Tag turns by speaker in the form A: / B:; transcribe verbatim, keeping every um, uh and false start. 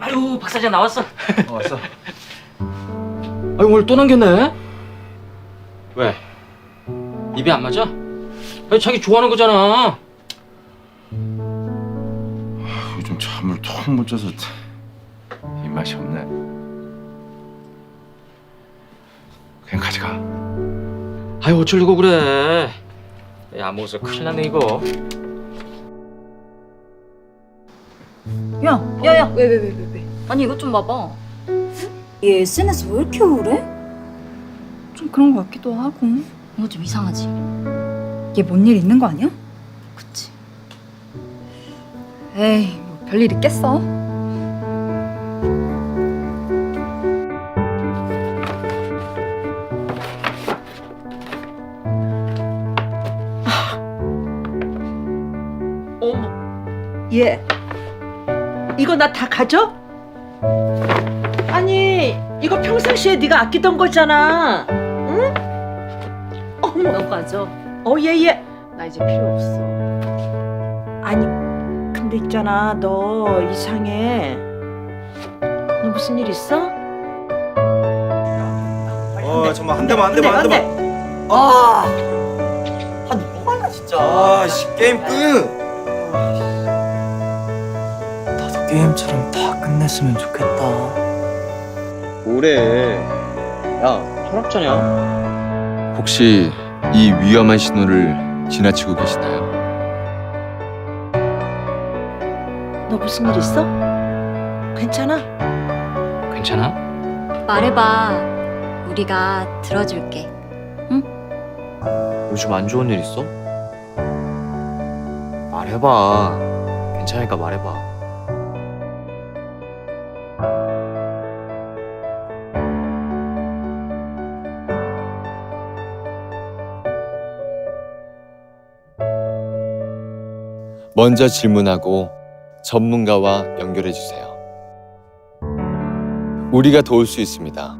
A: 아유, 박 사장 나왔어.
B: 어, 왔어.
A: 아유, 오늘 또 남겼네. 왜? 입이 안 맞아? 아니, 자기 좋아하는 거잖아.
B: 요즘 잠을 통 못 자서 입맛이 없네. 그냥 가져가.
A: 아유, 어쩌려고 그래. 야, 안 먹어서 큰일 났네 이거.
C: 야, 야, 야, 왜, 왜, 왜, 왜, 왜? 아니 이것 좀 봐봐. 얘 에스엔에스 왜 이렇게 우울해?
D: 좀 그런 것 같기도 하고.
C: 이거 좀 이상하지?
D: 얘 뭔 일 있는 거 아니야?
C: 그치?
D: 에이, 뭐 별일 있겠어.
E: 어머, 얘 이거 나 다 가져? 아니 이거 평상시에 네가 아끼던 거잖아. 응? 어머,
C: 너 가져.
E: 어 얘얘 나 이제 필요 없어. 아니 근데 있잖아 너 이상해. 너 무슨 일 있어?
F: 어 정말 한 대만 한 대만 한 대만.
E: 아,
F: 아 뭐하냐 진짜. 아씨 게임 끝.
G: 나도 게임처럼 다 끝냈으면 좋겠다.
F: 뭐래? 야 철학자냐?
B: 혹시 이 위험한 신호를 지나치고 계시나요?
E: 너 무슨 일 있어? 괜찮아?
A: 괜찮아?
C: 말해봐. 우리가 들어줄게.
G: 요즘 안 좋은 일 있어? 말해봐. 괜찮으니까 말해봐.
B: 먼저 질문하고 전문가와 연결해 주세요. 우리가 도울 수 있습니다.